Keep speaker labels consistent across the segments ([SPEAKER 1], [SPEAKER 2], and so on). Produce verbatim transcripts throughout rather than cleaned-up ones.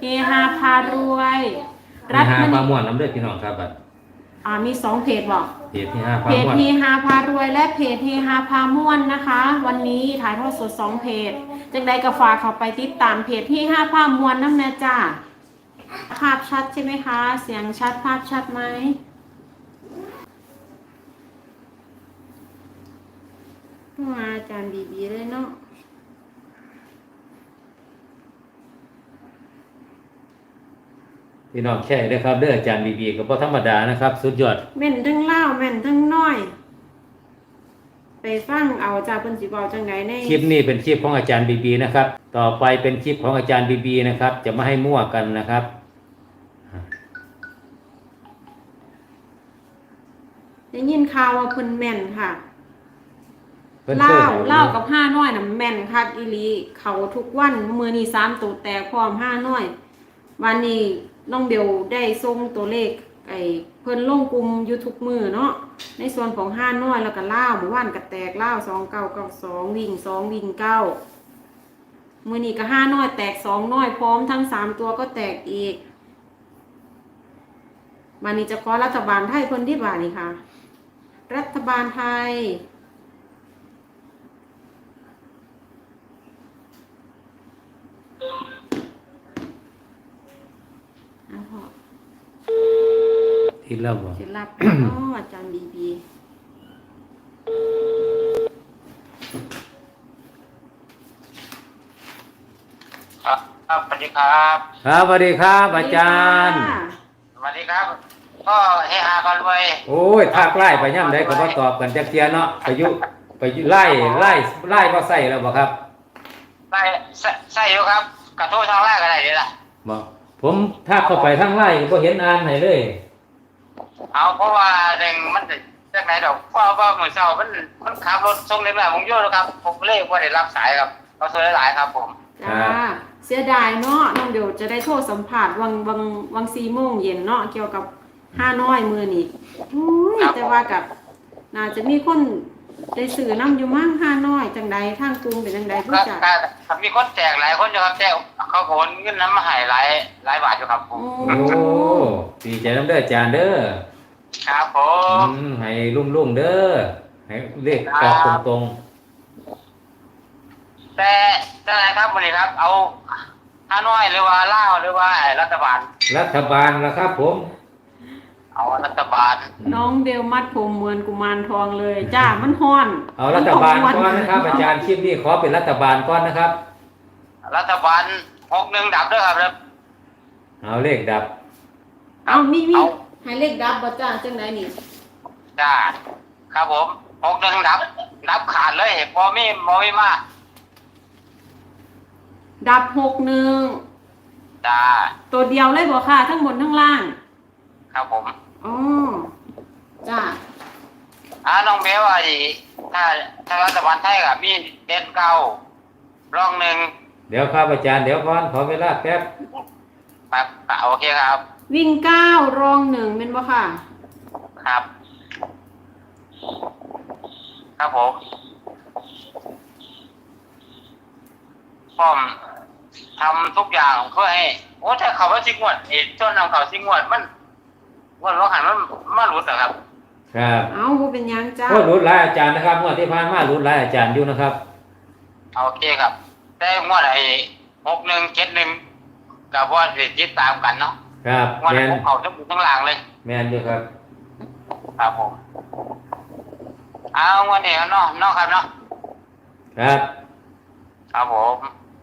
[SPEAKER 1] ฮาพารวย
[SPEAKER 2] รัฐมม่วนน้ำเลือดพี่น้องครับบัด
[SPEAKER 1] อ่ามีสองเพจบอก
[SPEAKER 2] เพจเฮฮาพา
[SPEAKER 1] เพจ
[SPEAKER 2] ม่วน
[SPEAKER 1] เฮฮาพารวยและเพจเฮฮาพาม่วนนะคะวันนี้ถ่ายทอดสดสองเพจจังใดก็ฝากเขาไปติดตามเพจเฮฮาพาม่วนน้ำแน่จ้าภาพชัดใช่ไหมคะเสียงชัดภาพชัดไหมมาอาจารย์บีบีเลยเนาะ
[SPEAKER 2] พี่น้องแค่ได้ครับเด้ออาจารย์บีบีก็บ่ธรรมดานะครับสุดยอด
[SPEAKER 1] แม่นทั้งเล่าแม่นทั้งน้อยไปฟังเอาจากเพิ่นสิบอกจังไดใน
[SPEAKER 2] คลิปนี้เป็นคลิปของอาจารย์บีบีนะครับต่อไปเป็นคลิปของอาจารย์บีบีนะครับจะไม่ให้มั่วกันนะครับ
[SPEAKER 1] ได้ยินข่าวว่าเพิ่นแม่นค่ะเล่าเล่ากับห้าน้อยน่ะแม่นคักอีหลีเขาทุกวันมื้อนี้สามตัวแตกพร้อมห้าน้อยวันนี้น้องเบลได้ส่งตัวเลขไอ้เพิ่นลงกลุ่มอยู่ทุกมื้อเนาะในส่วนของห้าน้อยแล้วก็เล่าเมื่อวานก็แตกเล่าสองเก้าเก้าสองวิ่งสองวิ่งเก้ามื้อนี้ก็ห้าน้อยแตกสองน้อยพร้อมทั้งสามตัวก็แตกอีกวันนี้จะขอรัฐบาลไทยเพิ่นที่บ่านี่ค่ะรัฐบาลไทย
[SPEAKER 2] ที่เล่าบ่
[SPEAKER 1] ที่รับอ๋ออาจารย์บีบี
[SPEAKER 3] ครับครับสวัสดีครับ
[SPEAKER 2] ครับสวัสดีครับอาจารย์
[SPEAKER 3] สวัสดีครับก็เฮฮากันรวย
[SPEAKER 2] โอ้ยภาคไล่ไปย่ำได้ก็บ่ตอบกันจักเที่ยเนาะไปยุไปไล่ไล่ไล่บ่ใส่แล้วบ่ครับ
[SPEAKER 3] ไล่ใส่อยู่ครับกระโทษทางไล่ก็ได้เด้ล่ะ
[SPEAKER 2] บ่ผมถ้าเข้าไปทางไล่ก็บ่เห็นอ่านให้เลย
[SPEAKER 3] เอาเพราะว่าหนึ่งมันจากไหนดอกเพราะว่ามื้อเช้ามันมันขับรถส่งเล็กน้อยผมอยู่แล้วครับผมเลยบ่ได้รับสายครับก็โทรหลายๆครับผม
[SPEAKER 1] จ้าเสียดายเนาะน้องเดี๋ยวจะได้โทรสัมภาษณ์วังวังวังสี่โมงเย็นเนาะเกี่ยวกับห้าน้อยมือนี่อุ้ยแต่ว่ากับน่าจะมีคนได้สื่อน้ำอยู่มั่งห้าน้อยจังใดทางกรุงเป็นจังใดผู้จัด
[SPEAKER 3] มีคนแจกหลายคนอยู่ครับแจกเขาโอนเงินน้ำมาให้หลายหลายบาทอยู่ครับผม
[SPEAKER 2] โอ้ดีใจน้ำเด้ออาจารย์เด้อ
[SPEAKER 3] ครับผม
[SPEAKER 2] ให้ลุ่มๆเด้อให้เลขออกตรง
[SPEAKER 3] ๆแต่แต่ไหนครับวันนี้ครับเอาฮานอยหรือว่าลาวหรือว่ารัฐบาล
[SPEAKER 2] รัฐบาลละครับผม
[SPEAKER 3] เอารัฐบาล
[SPEAKER 1] น้องเบลมัดผมเหมือนกุมารทองเลยจ้ามันฮ้อน
[SPEAKER 2] เอารัฐบาลก่อนนะครับอาจารย์คลิปนี้ขอเป็นรัฐบาลก่อนนะครับ
[SPEAKER 3] รัฐบาลหกหนึ่งดับด้วยครับ
[SPEAKER 2] เอาเลขดับ
[SPEAKER 1] เอามีมีให้เลขดับบ่จ้าจังไหนนี่
[SPEAKER 3] จ้าครับผมหกหนึ่งดับดับขาดเลยพอมีพอมีมา
[SPEAKER 1] ดับหกหนึ่ง
[SPEAKER 3] จ้า
[SPEAKER 1] ตัวเดียวเลยบ่ค่ะทั้งบนทั้งล่าง
[SPEAKER 3] ครับผม
[SPEAKER 1] อ๋อจ้า
[SPEAKER 3] อ่าน้องเบลว่าดิถ้าถ้ารัฐบาลไทยกับมีเด่นเก้ารองหนึ่ง
[SPEAKER 2] เดี๋ยวครับอาจารย์เดี๋ยวก่อนขอเวลาแป๊บ
[SPEAKER 3] ครับโอเคครับ
[SPEAKER 1] วิ่งเก้ารองหนึ่งเป็นบ่ค่ะ
[SPEAKER 3] ครับครับผมพร้อมทำทุกอย่างเพื่อให้โอ้ถ้าเขาว่าซิงวดเอจนนำเขาซิงวดมันวันร้องหันมันมาหลุดเหรอครับ
[SPEAKER 2] ครับ
[SPEAKER 1] เอ้าบ่เป็นยังจ้า
[SPEAKER 2] ก็หลุดหลายอาจารย์นะครับงวดที่ผ่านมาหลุดหลายอาจารย์อยู่นะครับ
[SPEAKER 3] โอเคครับแต่งวดไอ้หกหนึ่งเจ็ดหนึ่งกับว่าติดตามกันเนาะ
[SPEAKER 2] ครับ
[SPEAKER 3] งวดของเขาทั้งบนทั้งล่างเลย
[SPEAKER 2] แม่นอยู่ครับ
[SPEAKER 3] ครับผมเอางวดนี้เนาะเนาะครับเนาะ
[SPEAKER 2] ครับ
[SPEAKER 3] ครับผม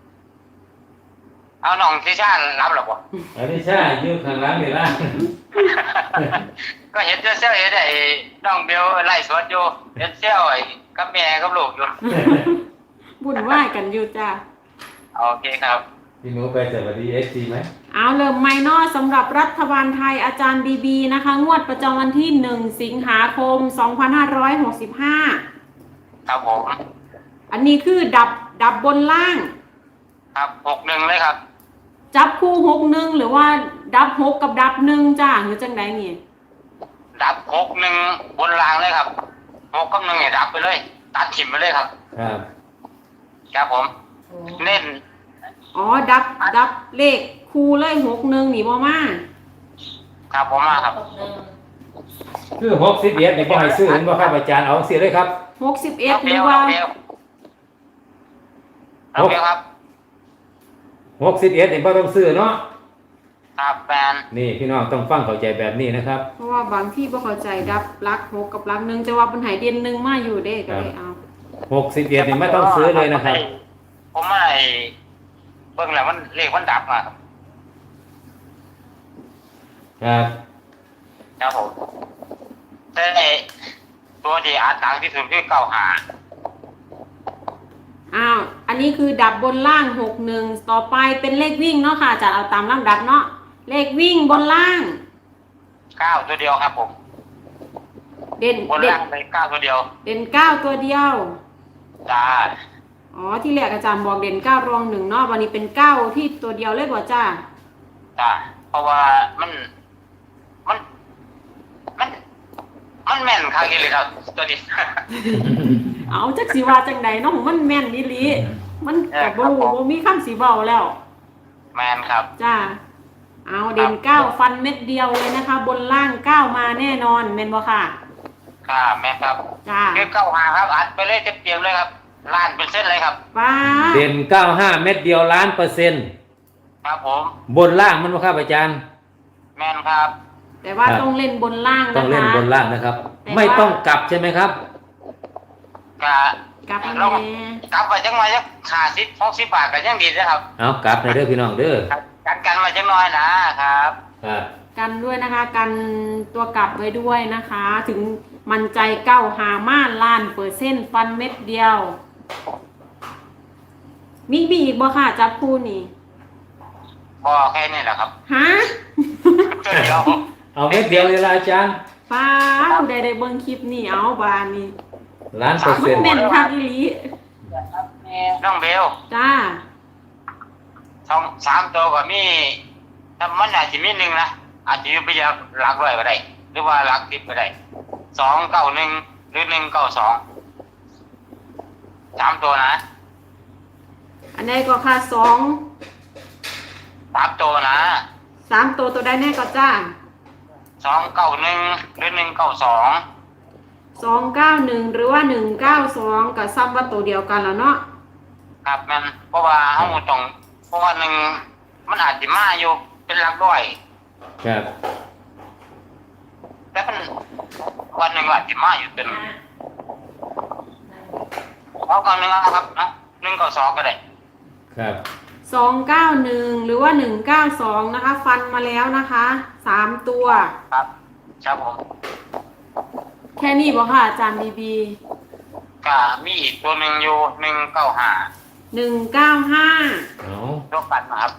[SPEAKER 3] เอาน้องทิชารับหรือเปล่า
[SPEAKER 2] เอาทิชาอยู่ข้างหลังนี่ล่ะ
[SPEAKER 3] ก็เห็นเจ้าเซี่ยวเห็นไอ้น้องเบลไล่สวนอยู่เห็นเซี่ยวไอ้กับแม่กับลูกอยู่
[SPEAKER 1] บุญไหว้กันอยู่จ้า
[SPEAKER 3] โอเคครับ
[SPEAKER 2] พี่หนูไปสวัสดีเอฟซีไหม
[SPEAKER 1] เอาเริ่มไม่นอสำหรับรัฐบาลไทยอาจารย์บีบีนะคะงวดประจำวันที่หนึ่งสิงหาคมสองพันห้าร้อยหกสิบห้า
[SPEAKER 3] ครับผม
[SPEAKER 1] อันนี้คือดับดับบนล่าง
[SPEAKER 3] ครับหกหนึ่งเลยครับ
[SPEAKER 1] จับคู่หกหนึ่งหรือว่าดับหกกับดับหนึ่งจ้าหรือจังไดนี่
[SPEAKER 3] ดับหกหนึ่งบนล่างเลยครับหกกับหนึ่งเนี่ยดับไปเลยตัดถิ่มไปเลยครับ
[SPEAKER 2] ครับ
[SPEAKER 3] ครับผมเน้น
[SPEAKER 1] อ๋อดับดับเลขคครูเลยหกหนึ่งนี่บ่มา
[SPEAKER 3] ครับผมมาครับ
[SPEAKER 2] คือหกสิบเอ็ดนี่บ่ให้ซื้อเห็นบ่ครับอาจารย์เอาสิเลยครับ
[SPEAKER 1] หกสิบเอ็ด
[SPEAKER 3] น้อง
[SPEAKER 1] ห
[SPEAKER 3] เบ
[SPEAKER 1] รือ
[SPEAKER 3] ล
[SPEAKER 1] ว่า
[SPEAKER 3] น้องเบลน้องเบลครับ
[SPEAKER 2] หกสิบเอ็ดนี่บ่ต้องซื้อเนาะ
[SPEAKER 3] ครับแฟน
[SPEAKER 2] นี่พี่น้องต้องฟังเข้าใจแบบนี้นะครับ
[SPEAKER 1] เพราะว่าบางที่บ่เข้าใจดับรักหกกับรักหนึ่งจะว่าเป็นไหเด่นหนึ่งมาอยู่เด้ก็เลยเอา
[SPEAKER 2] หกสิบเอ็ดนี่ไม่ต้องซื้อเลยนะครับ
[SPEAKER 3] ผมไม่เบิ่งแล้วมันเลขมันดับมาครับ
[SPEAKER 2] ครับ
[SPEAKER 3] ครับผมแต่ตัวที่อาจดังที่สุดคือเก้าหา
[SPEAKER 1] อ้าวอันนี้คือดับบนล่างหกหนึ่งต่อไปเป็นเลขวิ่งเนาะค่ะจะเอาตามลำดับเนาะเลขวิ่งบนล่าง
[SPEAKER 3] เก้าตัวเดียวครับผม
[SPEAKER 1] เด่น
[SPEAKER 3] บน
[SPEAKER 1] เด่น
[SPEAKER 3] ล่างเลยเก้าตัวเดียว
[SPEAKER 1] เด่นเก้าตัวเดียว
[SPEAKER 3] จ้า
[SPEAKER 1] อ๋อที่แรกอาจารย์บอกเด่นเก้ารองหนึ่งเนาะวันนี้เป็นเก้าที่ตัวเดียวเลยบ่จ้า
[SPEAKER 3] จ้าเพราะว่ามัน มัน มัน มันแม่นครับอีเลยครับ ตัวนี้
[SPEAKER 1] เอาจักสีว่าจังใดเนาะมันแม่นอีหลีมันกับ่รู้บ่มีคำสีเบาแล้ว
[SPEAKER 3] แม่นครับ
[SPEAKER 1] จ้าเอาเด่นเก้าฟันเม็ดเดียวเลยนะคะ บนล่างเก้ามาแน่นอนแม่นบ่ค่ะ
[SPEAKER 3] ค่ะแม่นครับ
[SPEAKER 1] จ้า
[SPEAKER 3] คือเก้าหาครับอัดไปเลยเต็มๆเลยครับล้านเป็นเส้นเลยครับ
[SPEAKER 1] ป้า
[SPEAKER 2] เด่นเก้าห้าเม็ดเดียวล้านเปอร์เซ็นต์
[SPEAKER 3] ครับผม
[SPEAKER 2] บนล่างมันบ่ครับอาจารย์
[SPEAKER 3] แม่นครับ
[SPEAKER 1] แต่ว่า
[SPEAKER 2] ครับ
[SPEAKER 1] ต้องเล่นบนล่างนะคะ
[SPEAKER 2] ต้องเล่นบนล่างนะครับ
[SPEAKER 1] แต่ว่า
[SPEAKER 2] ไม่ต้องกลับใช่ไหมครับ
[SPEAKER 3] กะ
[SPEAKER 1] กลับมา
[SPEAKER 3] เรา
[SPEAKER 1] แน่
[SPEAKER 3] กลับไปจังมาจักขาสิบหกสิบบาทก็ยังดีนะครับ
[SPEAKER 2] เอากลับในอยเด้อพี่น้องเด้อ
[SPEAKER 3] ครับกันกันมาจังน้อยนะครับ
[SPEAKER 2] ครับ
[SPEAKER 1] กันด้วยนะคะกันตัวกลับไว้ด้วยนะคะ ถึงมันใจเก้าหาม่านล้านเปอร์เซ็นต์ฟันเม็ดเดียว มีบีอีกบ่ค่ะจับคู่นี่
[SPEAKER 3] พอแค่นี้แหละครับ
[SPEAKER 1] ฮะ
[SPEAKER 3] ตัวเดียว
[SPEAKER 2] เอาเม็ดเดียวเลยล่ะอาจารย์
[SPEAKER 1] ป้าผู้ใดได้เบิ่งคลิปนี่เอาบานนี่
[SPEAKER 2] ล้านเปอร์
[SPEAKER 1] มั
[SPEAKER 2] เซ็น
[SPEAKER 1] น
[SPEAKER 2] ต์
[SPEAKER 1] แม่นคักอีหลี
[SPEAKER 3] น้องเบล
[SPEAKER 1] จ้า
[SPEAKER 3] สองสามตัวก็มีถ้ามันอาจจะมีหนึ่งนะอาจจะอยู่ไปอยางหลักร้อยก็ได้ หรือว่าหลักสิบก็ได้สองเก้าหนึ่งหรือหนึ่งเก้าสองสามตัวนะ
[SPEAKER 1] อันใดก็ค่ะสอง
[SPEAKER 3] สามตัวนะ
[SPEAKER 1] สามตัวตัวใดแน่ก็จ้า
[SPEAKER 3] สองเก้าหนึ่งหรือหนึ่งเก้าสอง
[SPEAKER 1] สองเก้าหนึ่งหรือว่าหนึ่งเก้าสองกับซ้ำว่าตัวเดียวกันแล้วเนาะ
[SPEAKER 3] ครับมันเพราะว่าเขาต้องเพราะว่าหนึ่งมันอาจจะมาอยู่เป็นหลักร้อย
[SPEAKER 2] ครับ
[SPEAKER 3] แต่มันวันหนึ่งอาจจะมาอยู่เป็นเอาเก้าหนึ่งนะครับเนาะหนึ่งเก้าสองก็ได้
[SPEAKER 2] ครับ
[SPEAKER 1] สองเก้าหนึ่งหรือว่าหนึ่งเก้าสองนะคะ ฟันมาแล้วนะคะสามตัว
[SPEAKER 3] ครับครับผม
[SPEAKER 1] แค่นี้บ่ค่ะอาจารย์บีบี
[SPEAKER 3] ก็มีอีกตัวหนึ่งอยู่หนึ่งเก้าห้า
[SPEAKER 1] หนึ่งเก้าห้า
[SPEAKER 2] เอา
[SPEAKER 3] ยกกันนะครับ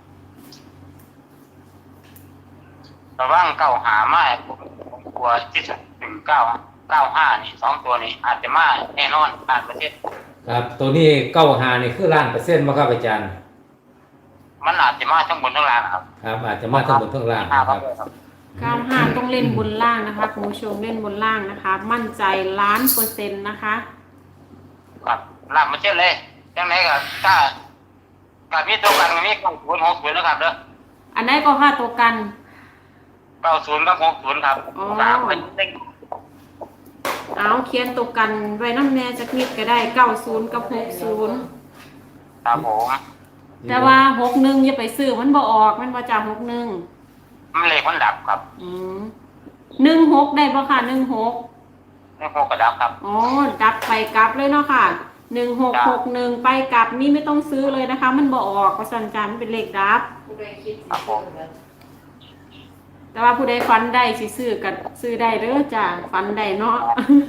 [SPEAKER 3] ระว่างเก้าหามาผมผมกลัวที่สุดหนึ่งเก้าเก้าห้านี่สองตัวนี้อาจจะมาแน่นอนผ่านประเทศ
[SPEAKER 2] ครับตัวนี้เก้าหานี่คือล้านเปอร์เซ็นต์บ่ครับอาจารย์
[SPEAKER 3] มันอาจจะมาทั้งบนทั้งล่างนะครับ
[SPEAKER 2] ครับ อาจจะมาทั้งบนทั้งล่าง
[SPEAKER 3] ห้า
[SPEAKER 2] นะค
[SPEAKER 3] ครั
[SPEAKER 2] รั
[SPEAKER 3] บบ
[SPEAKER 1] เก้าห้าต้องเล่นบนล่างนะคะคุณผู้ชมเล่นบนล่างนะคะ มั่นใจล้านเปอร์เซ็นต์นะคะ
[SPEAKER 3] ครับลาบมาเช่นเลยจังไหนก็ถ้าถ้ามีตัวกันก็มีเก้าศูนย์หกศูนย์นะครับเด้อ
[SPEAKER 1] อันไหนก็ค่าตัวกัน
[SPEAKER 3] เก้าศูนย์กับหกศูนย์ครับ
[SPEAKER 1] อ๋อ
[SPEAKER 3] สามเป็นเด้ง
[SPEAKER 1] เอาเขียนตัวกันไว้น้ำแน่จักนิดก็ได้เก้าศูนย์กับหกศูนย์
[SPEAKER 3] ครับผม
[SPEAKER 1] แต่ว่าหกหนึ่งอย่าไปซื้อมันบ่ออกมันบ่จากหกหนึ่ง
[SPEAKER 3] มันเลขมันดับครับ
[SPEAKER 1] อืมหนึ่งหกได้บ่ค่ะหนึ่งหก
[SPEAKER 3] เลขหกก็ดับครับ
[SPEAKER 1] อ๋อดับไปกลับเลยเนาะค่ะหนึ่งหกหกหนึ่งไปกลับนี่ไม่ต้องซื้อเลยนะคะ มันบ่ออกเพราะสัญจรมันเป็นเลขดับ
[SPEAKER 3] ครับผม
[SPEAKER 1] แต่ว่าผู้ใดฟันได้สิซื้อกับซื้อได้เด้อจ้ะฟันได้เนาะ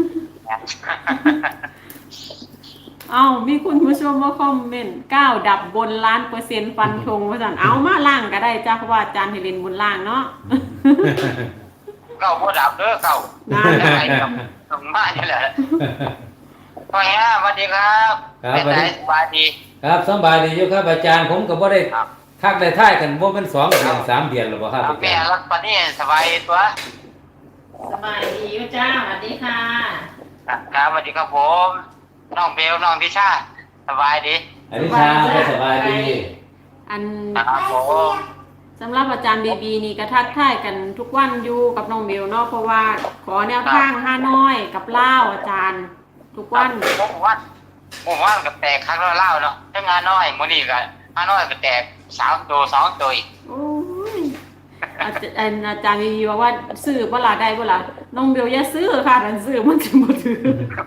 [SPEAKER 1] เอ้ามีคุณผู้ชมมาคอมเมนต์เก้าดับบนล้านเปอร์เซ็นต์ฟันธงว่าซั่นเอามาล่างก็ได้จ้ะเพราะว่าอาจารย์ให้เล่นบนล่างเนาะ
[SPEAKER 3] เก้าบ่ดับเด้อเก้า
[SPEAKER 1] นั่น
[SPEAKER 3] อะไรครับตรงบ้านนี่แหละพ่อเฮียสวัสดีครับ
[SPEAKER 2] ครับ
[SPEAKER 3] เป็น
[SPEAKER 2] สวัส
[SPEAKER 3] ไง
[SPEAKER 2] ดี
[SPEAKER 3] สบายดี
[SPEAKER 2] ครับสบายดีอยู่ครับอาจารย์ผมก็บ่ได้
[SPEAKER 3] ครับ
[SPEAKER 2] ทักได้ท่ายกันบ่เป็นสองเดือนสามเดือนแล้วบ่ครับอา
[SPEAKER 3] แม่
[SPEAKER 2] จารย์
[SPEAKER 3] รักปานนี้สบายตัว
[SPEAKER 1] สบายดีอยู่จ้าสวัสดีค่ะ
[SPEAKER 3] ครับสวัสดีครับผมน้องเบลน้องทิชาสบายดี
[SPEAKER 2] อันนี้ชาก็สบายดี
[SPEAKER 1] อัน
[SPEAKER 3] ครับผม
[SPEAKER 1] สำหรับอาจารย์บีบีนี่ก็ทักทายกันทุกวันอยู่กับน้องเบลเนาะเพราะว่าขอแนวทางห้าน้อยกับเล่าวอาจารย์ ทุกวัน
[SPEAKER 3] หมู่บ้านหมู่บ้านก็แตกครั้งละเล่าเนาะถ้างานน้อยมื้อนี้ก็ห้าน้อยก็แตกสามตัวสองตัวอีก
[SPEAKER 1] โอ้ยอาจารย์อาจารย์บีบีบอกว่าซื้อเวลาได้เวลาน้องเบลอย่าซื้อค่ะดันซื้อมันจะบ่ถือ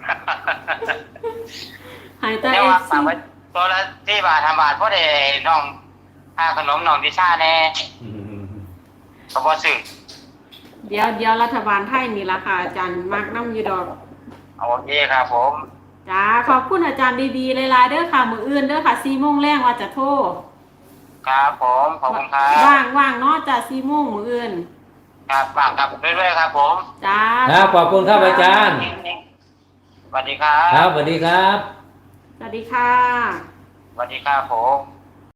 [SPEAKER 1] หายใจ
[SPEAKER 3] เดี๋ยว
[SPEAKER 1] เอ
[SPEAKER 3] ว่า
[SPEAKER 1] ฟ
[SPEAKER 3] ฝา
[SPEAKER 1] ซี
[SPEAKER 3] กไว้ตัวละที่บาททำบาทเพราะได้น้องค่าขนมน้องดิชาแน่
[SPEAKER 2] อืม
[SPEAKER 3] ก็บ่ซื้อ
[SPEAKER 1] เดี๋ยวเดี๋ยวรัฐบาลไทยนี่ละค่ะอาจารย์มักน้ำอยูดอก
[SPEAKER 3] โอเคครับผม
[SPEAKER 1] จ้าขอบคุณอาจารย์บีบีหลายๆเด้อค่ะมืออื่นเด้อค่ะสี่โมงแรงว่าจะโทร
[SPEAKER 3] ครับผมขอบคุณครับ
[SPEAKER 1] ว่างว่างเนาะจ้าสี่โมงมืออื่น
[SPEAKER 3] ครับฝากครับเรื่อยๆครับผม
[SPEAKER 1] จ้า
[SPEAKER 2] ครับขอบคุณครับอาจารย์
[SPEAKER 3] สวัสดีครับ
[SPEAKER 2] ครับสวัสดีครับ
[SPEAKER 1] สวัสดีค่ะ
[SPEAKER 3] สวัสดีครับผม